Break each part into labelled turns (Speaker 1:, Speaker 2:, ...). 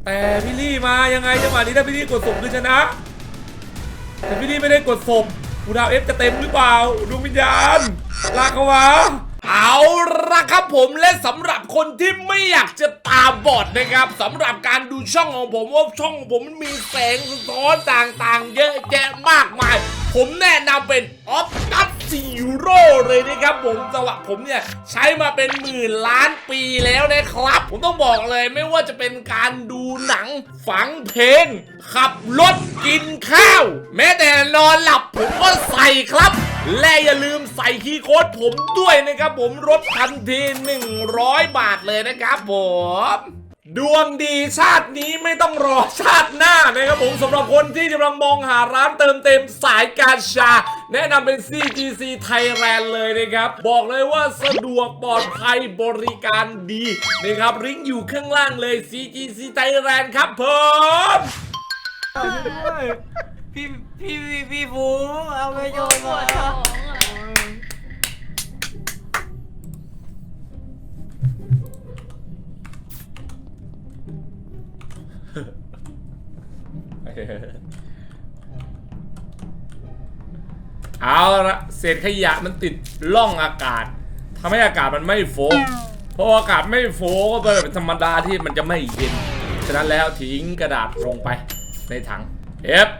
Speaker 1: แต่พี่ลี่มายังไงจังหวะนี้ถ้าพี่ลี่กดศพคือชนะแต่พี่ลี่ไม่ได้กดศพกูดาวเอฟจะเต็มหรือเปล่าดวงวิญญาณลากเขาวะเอาละครับผมและสำหรับคนที่ไม่อยากจะตาบอดนะครับสำหรับการดูช่องของผมว่าช่องของผมมันมีแสงสะท้อนต่างๆเยอะแยะมากมายผมแนะนำเป็นออฟตัสซีโร่เลยนะครับผมสำหรับผมเนี่ยใช้มาเป็นหมื่นล้านปีแล้วนะครับผมต้องบอกเลยไม่ว่าจะเป็นการดูหนังฟังเพลงขับรถกินข้าวแม้แต่นอนหลับผมก็ใส่ครับและอย่าลืมใส่คีย์โค้ดผมด้วยนะครับผมลดทันที100 บาทเลยนะครับผมดวงดีชาตินี้ไม่ต้องรอชาติหน้านะครับผมสำหรับคนที่กำลังมองหาร้านเติมเต็มสายกาชาแนะนำเป็น CGC Thailand เลยนะครับบอกเลยว่าสะดวกปลอดภัยบริการดีนะครับลิงก์อยู่ข้างล่างเลย CGC Thailand ครับผม
Speaker 2: พี่ฟูเอาไปโยนมา
Speaker 1: เอาละเศษขยะมันติดล่องอากาศทำให้อากาศมันไม่โฟล์เพราะอากาศไม่โฟล์ก็เป็นธรรมดาที่มันจะไม่เย็นฉะนั้นแล้วทิ้งกระดาษลงไปในถังเอฟ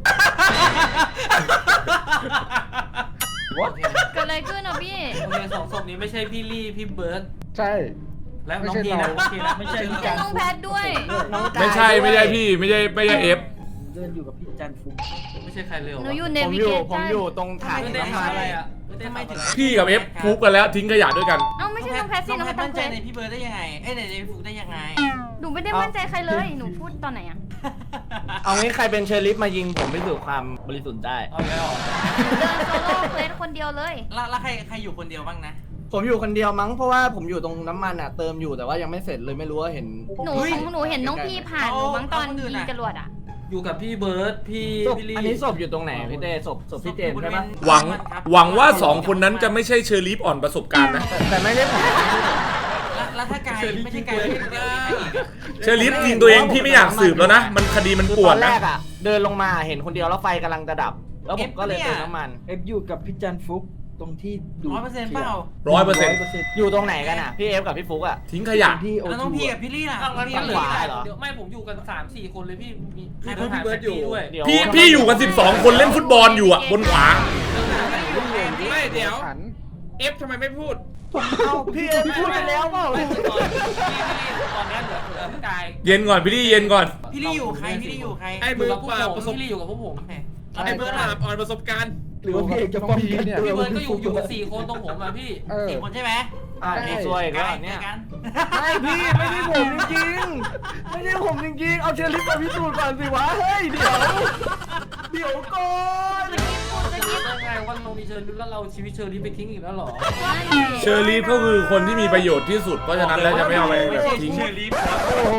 Speaker 3: เกิดอะไรขึ้นอ่ะพี่
Speaker 2: โอเคสองศพนี้ไม่ใช่พี่ลี่พี่เบิร์ด
Speaker 4: ใช่
Speaker 2: และน้องพีนะโอเคนะไม่ใช่
Speaker 3: ไม่ใช่น้องแพทด้วย
Speaker 1: ไม่ใช่พี่ไม่ใช่เอฟ
Speaker 5: เดินอยู่กับพี่จันฟุก
Speaker 2: ไม่ใช่ใครเลยหรอ
Speaker 3: หนูอยู่เน
Speaker 5: ผม
Speaker 3: วิ
Speaker 5: อ
Speaker 3: เก
Speaker 5: ยู่
Speaker 3: ชั่น
Speaker 5: ผมอยู่ตรงถัง
Speaker 2: ไม่ได้
Speaker 5: น้ำมัน
Speaker 2: ทำอะไรอ่ะไม่ได้ถึง
Speaker 1: พี่กับเอฟพูกกันแล้วทิ้งขยะด้วยกัน
Speaker 3: เอ้าไม่ใช่น้องแพทสิน้องแพท
Speaker 2: มั่
Speaker 3: ตั้
Speaker 2: น
Speaker 3: ง
Speaker 2: ใจ
Speaker 3: ใจ
Speaker 2: ในพี่เบิร์ดได้ยังไงเอ้ยในฟุกได้ยังไง
Speaker 3: หนูไม่ได้มั่นใจใครเลยหนูพูดตอนไหนอ่ะ
Speaker 5: เอางี้ใครเป็นเชอร์ลิฟมายิงผมพิสูจน์ความบริสุทธิ์ได้
Speaker 2: เอาแล้ว
Speaker 3: เดินโซโล่เควสคนเดียวเลย
Speaker 2: แล้วใครอยู่คนเดียวบ้างนะ
Speaker 5: ผมอยู่คนเดียวมั้งเพราะว่าผมอยู่ตรงน้ำมันอ่ะเติมอยู่แต่ว่ายังไม่เสร็จเลยไม่รู้ว่าเห็น
Speaker 3: หนูเห็นน้องพี่ผ่านหนูมั้งตอนยิงจรวดอ่ะ
Speaker 2: อยู่กับพี่เบิร์ดพี่ลี่
Speaker 5: อันนี้ศพอยู่ตรงไหนพี่เต้ศพพี่เจนใช่ไหม
Speaker 1: หวังว่า2คนนั้นจะไม่ใช่เชอร์ลีฟอ่อนประสบการณ์นะ
Speaker 5: แต่ไม่ได้ผม
Speaker 2: แล้วถ้าไกลไม่ใช่ไกลพี่เบิร์ด
Speaker 1: เชอร์ลีฟยิงตัวเองพี่ไม่อยากสืบแล้วนะมันคดีมันปวด
Speaker 5: ตอนแร
Speaker 1: นะ
Speaker 5: กอ่ะเดินลงมาเห็นคนเดียวแล้วไฟกำลังจะดับ แล้วผมก็เลยเติมน้ำมัน
Speaker 4: เอฟอยู่กับพี่จันฟุกตรงที่ดู
Speaker 2: 100%เปล่า
Speaker 1: 100%
Speaker 5: อยู่ตรงไหนกันอ่ะพี่เอฟกับพี่ฟุกอ่ะ
Speaker 1: ทิ้งขยะ
Speaker 4: ที่โอ
Speaker 2: แล้วน้องพี่กับพี่ลี่ล่ะ
Speaker 5: ฝั่งขวาเหรอ
Speaker 2: เดี๋ยวไม่ผมอยู่กัน 3-4 คนเลยพี่มี
Speaker 4: พี่เบิร์ดอยู่
Speaker 2: ด้วย
Speaker 5: เดี๋ยว
Speaker 1: พี่อยู่กัน12 คนเล่นฟุตบอลอยู่อ่ะบนขวา
Speaker 6: ไม่เดี๋ยว
Speaker 4: ขัน
Speaker 6: เอฟทำไมไม่พูด
Speaker 5: เอาพี่เอฟพูดไปแล้วเปล่า
Speaker 2: ตอนนี้เหลือพี่กาย
Speaker 1: เย็นก่อนพี่ลี่เย็นก่อน
Speaker 2: พี่ลี่อยู่ใครพี่ลี่อยู่ใคร
Speaker 6: ไอ้มือเปล่าประสบ
Speaker 2: พี่ลี่อยู่กับพวกผม
Speaker 6: ไอ้เบิร์ดอ่อนประสบการณ์
Speaker 4: หรือว่าพี่เอกจะป้องกันเนี่ย
Speaker 2: พี่เบิร์ดก็อยู่กัน4 คนตรงผมอ่ะพี่
Speaker 4: 4
Speaker 2: คนใช่ไหม
Speaker 5: พี่ซวยอีกแล้วเนี่ย
Speaker 2: กัน
Speaker 5: ไม่พี่ไม่ใช่ผมจริงๆไม่ใช่ผมจริงๆเอาเชอร์ลิฟมาพิสูจน์ก่อนสิวะเฮ้ยเดี๋ยวก่อน
Speaker 2: ยังไงวันเรามีเชิญแล้วเราชีวิตเชิญนี้ไปทิ้งอีกแล้วหรอ
Speaker 1: เชอร์ลีฟก็คือคนที่มีประโยชน์ที่สุดเพราะฉะนั้นแล้วจะไม่เอาไปแบบทิ้ง
Speaker 5: โอ้โห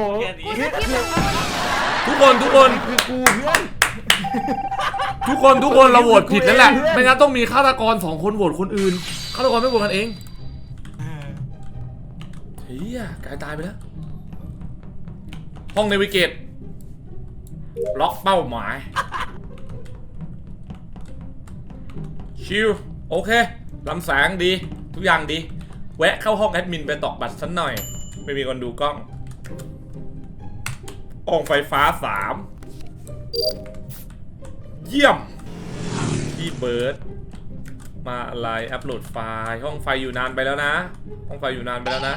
Speaker 1: ทุกคน
Speaker 5: คือกูเพื่อน
Speaker 1: ทุกคนเราโหวตผิดนั่นแหละไม่งั้นต้องมีฆาตกร2 คนโหวตคนอื่นฆาตกรไม่โหวตกันเองเฮียกายตายไปแล้วห้องเนวิเกตล็อกเป้าหมายชิลโอเคลำแสงดีทุกอย่างดีแวะเข้าห้องแอดมินไปตอกบัตรสักหน่อยไม่มีคนดูกล้องอ่องไฟฟ้า3เยี่ยมพี่เบิร์ดมาอะไรอัปโหลดไฟล์ห้องไฟอยู่นานไปแล้วนะห้องไฟอยู่นานไปแล้วนะ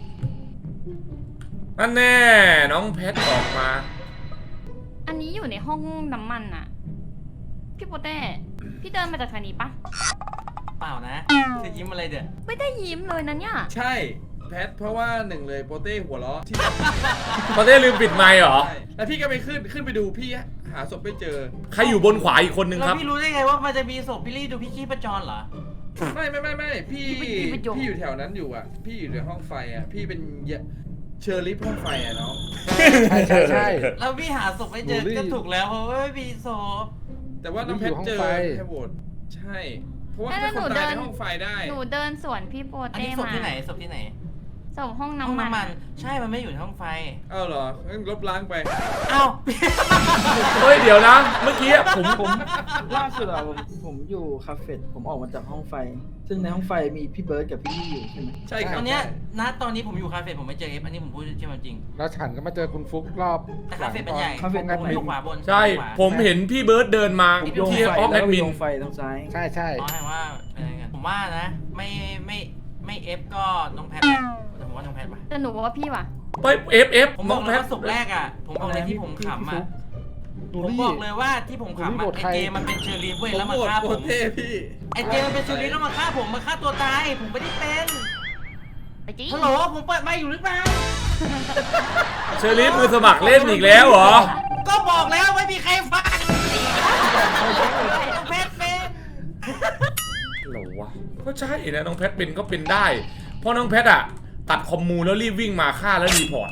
Speaker 1: นั่นแน่น้องเพชรออกมา
Speaker 3: อันนี้อยู่ในห้องน้ำมันอ่ะพี่โปเต้พี่เดินมาจากทางนี้ปะ
Speaker 2: เปล่านะจะยิ้มอะไรเด้อ
Speaker 3: ไม่ได้ยิ้มเลยนะเนี่ย
Speaker 6: ใช่แพทเพราะว่า1เลยโปเต้หัวล้อที่
Speaker 1: โปเต้ลืมปิดไมค์เหรอ
Speaker 6: ใช่แล้วพี่ก็ไปขึ้นไปดูพี่หาศพไม่เจอ
Speaker 1: ใครอยู่บนขวาอีกคนนึง
Speaker 2: แล้
Speaker 1: คว รับ
Speaker 2: พี่รู้ได้ไงว่ามันจะมีศพพี่ลี่ดูพี่ชีพจรเหรอ
Speaker 6: ไม่พี่อยู่แถวนั้นอยู่อ่ะพี่อยู่ในห้องไฟอ่ะพี่เป็นเชอร์ลิฟห้องไฟอ่ะน้อง
Speaker 4: ใช่
Speaker 2: แล้วพี่หาศพไม่เจอก็ถูกแล้วเพราะว่าไม่มีศพ
Speaker 6: แต่ว่าน้องแพทเจอแค่โหวตใช่เพราะว่าแค่คนตายในห้องไฟได้
Speaker 3: หนูเดินสวนพี่โป
Speaker 2: อัน
Speaker 3: เต้
Speaker 2: นี้ศพ
Speaker 3: มา
Speaker 2: ที่ไหนศพที่ไหน
Speaker 3: ศศพห้อง
Speaker 2: ห้อง
Speaker 3: น้ำ
Speaker 2: น้ำ
Speaker 3: มั
Speaker 2: มัน นใช่มันไม่อยู่ในห้องไฟ
Speaker 6: เอ้าเหรองั้นลบล้างไป
Speaker 2: เอ้า
Speaker 1: เฮ้ยเดี๋ยวนะ เมื่อกี้
Speaker 4: ผมล่าสุดอะผมอยู่คาเฟ่ผมออกมาจากห้องไฟ ซึ่งในห้องไฟมีพี่เบิร์ดกับพี่ลี่อยู่ใช่ไหม
Speaker 6: ใช่ครั
Speaker 2: ต
Speaker 6: บ
Speaker 2: อนเนี้ยณตอนนี้ผมอยู่คาเฟ่ผมไม่เจอเอฟอันนี้ผมพูดใช่ไหมจริง
Speaker 5: แล้วฉันก็มาเจอคุณฟุกรอบ
Speaker 2: แต่คาเฟ่เป็นใหญ่
Speaker 4: คาเฟ่
Speaker 2: ผมอยู่ขวาบน
Speaker 1: ใช่
Speaker 2: ขวา
Speaker 1: ผมเห็นพี่เบิร์ดเดินมา
Speaker 4: ผมโยง
Speaker 1: ที่
Speaker 4: ไฟ
Speaker 1: ออฟแอ
Speaker 4: แล้ว
Speaker 1: ด
Speaker 4: ก็
Speaker 1: มิ
Speaker 4: โย
Speaker 1: น
Speaker 4: งไฟทางซ้าย
Speaker 5: ใช่ใช่
Speaker 2: อ๋อแปลว่าอะไรกันผมว่านะไม่เอฟก็น้องแพทแหละแต่ผมว่าน้องแพทว่ะ
Speaker 3: แต่หนูว่าพี่ว่ะ
Speaker 1: ไปเอฟ
Speaker 2: ผมบ
Speaker 1: น้
Speaker 2: อ
Speaker 1: อก ง
Speaker 2: เล
Speaker 1: แพ
Speaker 2: ย
Speaker 1: ท
Speaker 2: ว่าศพแรกอ่ะผมบอกเลยที่ผมขำอ่ะ
Speaker 5: ดู
Speaker 2: ผม
Speaker 5: รี่
Speaker 2: บอกเลยว่าที่ผมขำอ่ะไอเจมันเป็นเชอรีฟเว้ยแล้วมาฆ่า
Speaker 6: โค
Speaker 2: ผ
Speaker 6: ต
Speaker 2: ม
Speaker 6: รเท่พี่
Speaker 2: ไอเจมันเป็นเชอรีฟแล้วมาฆ่าผมมาฆ่าตัวตายผมไม่ได้เป็น
Speaker 3: ไอ้จี้
Speaker 2: ฮัลโหลผมเปิดไมค์อยู่หรือเปล่า
Speaker 1: เชอรี่มือสมัครเล่นอีกแล้วเหรอ
Speaker 2: ก็บอกแล้วไม่มีใครฟังน้องแพทเป็น
Speaker 1: เหรอวะก็ใช่นะน้องแพทเป็นก็เป็นได้ เพราะน้องแพทอะตัดคอมมูแล้วรีบวิ่งมาฆ่าแล้วรีพอร์ต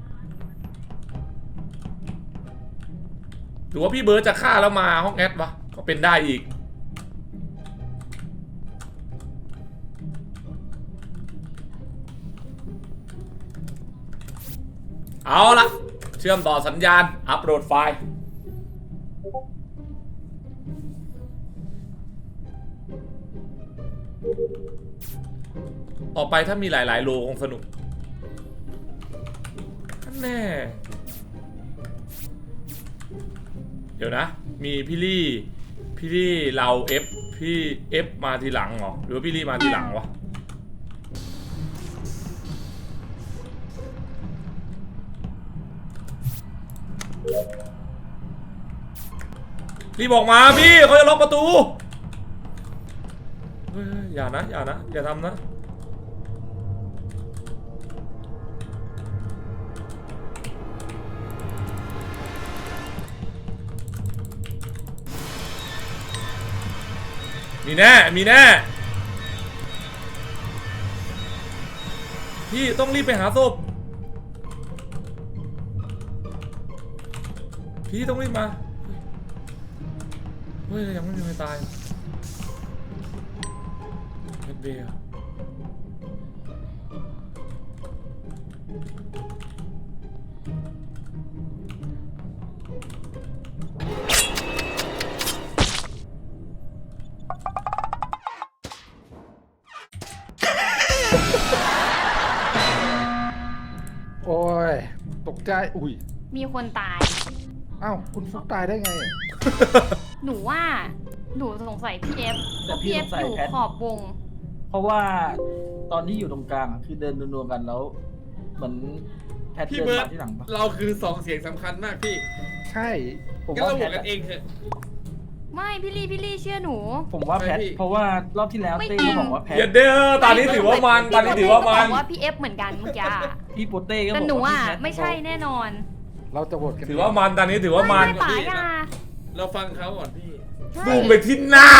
Speaker 1: หรือว่าพี่เบิร์ดจะฆ่าแล้วมาห้องแอดวะก็เป็นได้อีกเอาละเชื่อมต่อสัญญาณอัปโหลดไฟล์ออกไปถ้ามีหลายๆโลคงสนุกแน่เดี๋ยวนะ มีพี่ลี่เราพี่เอฟมาทีหลังเหรอหรือว่าพี่ลี่มาทีหลังวะรีบออกมาพี่เขาจะล็อกประตูเฮ้ยอย่านะอย่าทำนะมีแน่พี่ต้องรีบไปหาศพพี่ต้องรีบมาเฮ้ยยังไม่มีใครตายเฮดเบย์
Speaker 5: โอ้ยตกใจอุ้ย
Speaker 3: มีคนตาย
Speaker 5: อ้าวคุณฟุกตายได้ไง
Speaker 3: หนูว่าหนูสงสัยพี่เอฟเพ
Speaker 4: แต่
Speaker 3: ราะ
Speaker 4: พี่
Speaker 3: พี่เอฟ
Speaker 4: สงสัย
Speaker 3: อยู่
Speaker 4: แพท
Speaker 3: ขอบวง
Speaker 4: เพราะว่าตอนที่อยู่ตรงกลางอะคือเดินนัวๆกันแล้ว เหมือนแพท
Speaker 6: พี่
Speaker 4: เดิน
Speaker 6: เบิร์ด
Speaker 4: มาที่หลังปะ
Speaker 6: เราคือสองเสียงสำคัญมากพี่
Speaker 5: ใช่
Speaker 4: ผม
Speaker 6: งั้น
Speaker 4: ว่า
Speaker 6: เราโห
Speaker 4: แพ
Speaker 6: ว
Speaker 4: ท
Speaker 6: ตกันเองเถอะ
Speaker 3: ไม่พี่ลี่เชื่อหนู
Speaker 4: ผมว่าแพท
Speaker 6: ไม่พี่
Speaker 4: เพราะว่ารอบที่แล้ว
Speaker 3: ไม่
Speaker 4: เต้
Speaker 3: จริง
Speaker 4: ก็บอกว่าแพท
Speaker 1: เดี๋ยวเด้อตอนนี้ถือว่ามันตอนนี้ถือว่ามัน
Speaker 3: บอกว่าพี่เอฟเหมือนกันเมื่อกี้อะ
Speaker 4: พี่โปเต้ก็บอก
Speaker 3: แต่หนู
Speaker 4: ว่า
Speaker 3: อ่ะ
Speaker 4: พี่แพท
Speaker 3: ไม่ใช่แน่นอน
Speaker 5: เราจะโหวตกัน
Speaker 1: ถือว่ามันตอนนี้ถือว่ามัน
Speaker 3: ไม่ป๋ายา
Speaker 6: เราฟังเขาก่อนพี่
Speaker 1: บูมไปที่หน้า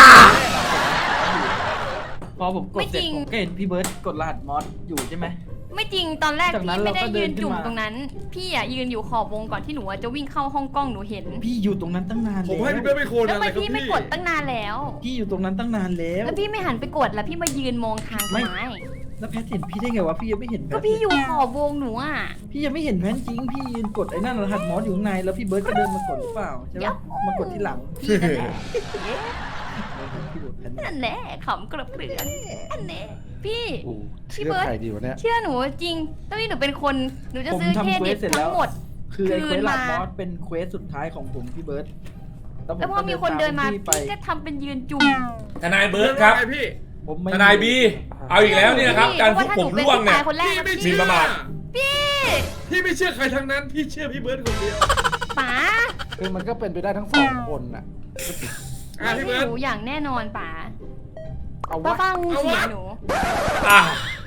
Speaker 4: พอผมกด
Speaker 3: ไม่
Speaker 4: เสร็
Speaker 3: จ
Speaker 4: จ
Speaker 3: ริง
Speaker 4: ผมก็เห็นพี่เบิร์ดกดรหัสมอสอยู่ใช่ไหม
Speaker 3: ไม่จริงตอนแรก
Speaker 4: จากนั้
Speaker 3: พี่
Speaker 4: น
Speaker 3: ไม่ได้
Speaker 4: เราก็เดิ
Speaker 3: ยื
Speaker 4: น
Speaker 3: น
Speaker 4: ขึ้น
Speaker 3: จุ่ม
Speaker 4: มา
Speaker 3: ตรงนั้น พี่อ่ะยืนอยู่ขอบวงก่อนที่หนูอะจะวิ่งเข้าห้องกล้องหนูเห็น
Speaker 4: พี่อยู่ตรงนั้นตั้งนาน
Speaker 6: ผม
Speaker 4: แล้ว
Speaker 6: ให้พี่เบิร์ดเป็นคน
Speaker 3: แล้ว
Speaker 6: อะไร
Speaker 3: ทำไม
Speaker 6: ครับ
Speaker 3: พี่
Speaker 6: พี่
Speaker 3: ไม่กดตั้งนานแล้ว
Speaker 4: พี่อยู่ตรงนั้นตั้งนานแล้ว
Speaker 3: แล้วพี่ไม่หันไปกดแล้วพี่มายืนมองทาง
Speaker 4: ไม่
Speaker 3: ไม้
Speaker 4: แล้วแพทเห็นพี่ได้ไงวะพี่ยังไม่เห็นแพท
Speaker 3: ก็พี่อยู่ขอบวงหนูอ่ะ
Speaker 4: พี่ยังไม่เห็นแพทจริงพี่ยืนกดไอ้นั่นรหัสมอสอยู่ข้างในแล้วพี่เบิร์ดก็เดินมากดหรือเปล่าใช่ปะมากดที่หลัง
Speaker 3: พี่นั่นแหละ
Speaker 4: พี่โดดแพท
Speaker 3: นั่นแหละขำกระเปือนอันเนี้ยพี่
Speaker 5: อู้
Speaker 3: พี่
Speaker 5: เชื่อ
Speaker 3: เบิร์ด
Speaker 5: ใครดีวะเนี่ย
Speaker 3: เชื่อหนูจริงตอนนี้หนูเป็นคนหนูจะ
Speaker 4: ผม
Speaker 3: ซื้อเคร
Speaker 4: ทำเคว
Speaker 3: ดิ
Speaker 4: ส
Speaker 3: ต
Speaker 4: เสร็จแล้
Speaker 3: ทั้
Speaker 4: ว
Speaker 3: งหมด
Speaker 4: คือไอ้เควส
Speaker 3: คืน
Speaker 4: หลัก
Speaker 3: มา
Speaker 4: มอสเป็นเควสสุดท้ายของผมพี่เบิร์ดผม
Speaker 3: แล้วพอมีคนเดินมา
Speaker 4: พี่ไป
Speaker 3: พี่ก็ทำเป็นยืนจุ่ม
Speaker 1: ทนายเบิร์ดครับ
Speaker 6: ไงพี่
Speaker 4: ผมไม่
Speaker 1: ทนายบีเอาอีกแล้วเนี่ยครับการฟุกผมร่วงเนี่ย
Speaker 3: คนแรก
Speaker 6: พี่
Speaker 3: นะ
Speaker 6: ไม่
Speaker 1: มี
Speaker 6: เชื่อ
Speaker 1: ประมาท
Speaker 3: พี่
Speaker 6: พี่ไม่เชื่อใครทั้งนั้น พี่เชื่อพี่เบิร์ดคนเดียว
Speaker 3: ป๋า
Speaker 5: คือมันก็เป็นไปได้ทั้งสองคนน่ะ
Speaker 6: อ่ะ
Speaker 3: ไม่
Speaker 6: พี่เบิร์ด
Speaker 3: รู้อย่างแน่นอนป๋า
Speaker 5: เอา
Speaker 3: ป้าว
Speaker 5: ะ
Speaker 3: ฟัง
Speaker 6: เอา
Speaker 3: เสียง
Speaker 6: วะ
Speaker 3: หนู
Speaker 1: อ่ะ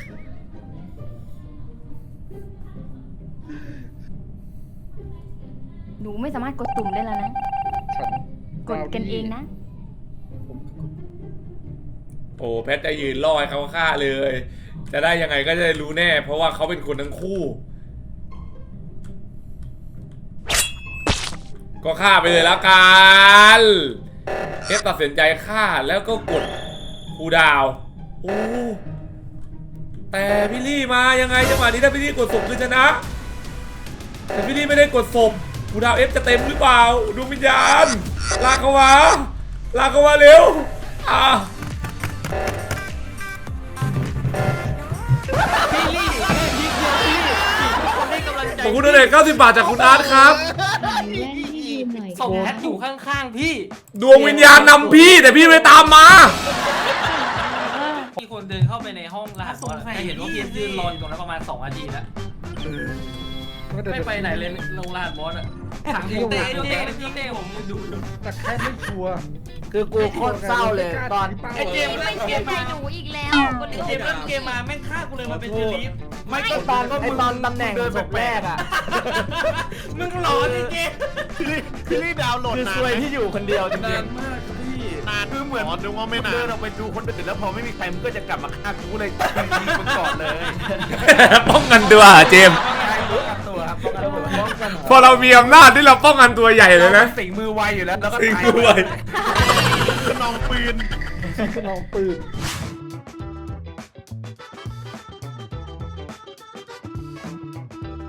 Speaker 3: หนูไม่สามารถกดตุ่มได้แล้วนะ
Speaker 5: ฉัน
Speaker 3: กดกันเองนะ
Speaker 1: โอ้แพทจะยืนรอให้เขาฆ่าเลย จะได้ยังไงก็จะได้รู้แน่ เพราะว่าเขาเป็นคนทั้งคู่ ก็ฆ่าไปเลยแล้วกันเอฟตัดสินใจฆ่าแล้วก็กดคูลดาวน์โอ้แต่พี่ลี่มายังไงจังหวะนี้ถ้าพี่ลี่กดศพคือชนะ แต่พี่ลี่ไม่ได้กดศพกูดาวเอฟจะเต็มหรือเปล่าดวงวิญญาณลากเข้ามาลากเข้ามาเร็ว
Speaker 2: พี่ลี่แค่พีคเดียวพี่ทุกคนให้กำลังใจ
Speaker 1: ขอบคุณด้วย90 บาทจากคุณอาร์ตครับ
Speaker 2: ศพแพทอยู่ข้างๆพี่
Speaker 1: ดวงวิญญาณนำพี่แต่พี่ไม่ตามมา
Speaker 2: มีคนเดินเข้าไปในห้องรหัสว่าจะเห็นว่าเพียนยืนรออยู่ตรงนั้นประมาณ2 นาทีแล้วไม่ไปไหนเลยลงรหัสบอสอะถังผมเต้ผมดูอยู่
Speaker 6: แต่แค่ไม่ชัวร์
Speaker 5: คือกูโคตรเศร้าเลยตอน
Speaker 2: ไอ้เจมส์
Speaker 3: ไม่เชื่อใจหนูอีกแล้วคน
Speaker 2: ไอ้
Speaker 3: เดียว
Speaker 2: เจมส์เล่นเกมมาแม่งฆ่ากูเลยมาเป็นเชอร์ลีฟ
Speaker 5: ไม่ก็ตอนไอตอนตำแหน่งศพแรกอ่ะ
Speaker 2: มึงหลอนไอ้เจมส์
Speaker 7: พี่ลี่ดาวน์โหลด
Speaker 5: คือน
Speaker 7: าน
Speaker 5: ซวย
Speaker 7: ไหม
Speaker 5: ที่อยู่คนเดียวจริ
Speaker 6: นาง นมากครับพี่
Speaker 7: นานคือเหมือนนึกว่าไม่นาน
Speaker 5: เดินออกไปดูคนอื่นแล้วพอไม่มีใครมันก็จะกลับมาฆ่ากูเลยยิงมันก่อนเลย
Speaker 1: ป้องกันตัวเจมส์
Speaker 5: ป้องกันตัวครับป้องกันตัว
Speaker 4: ป้องกัน
Speaker 1: พอเรามีอำนาจที่เราป้องกันตัวใหญ่เลยนะ
Speaker 5: สิงมือไวอยู่แล้วแล้วก็
Speaker 1: สิ่งด้วย
Speaker 7: คือน้องปืน
Speaker 4: น้องปืน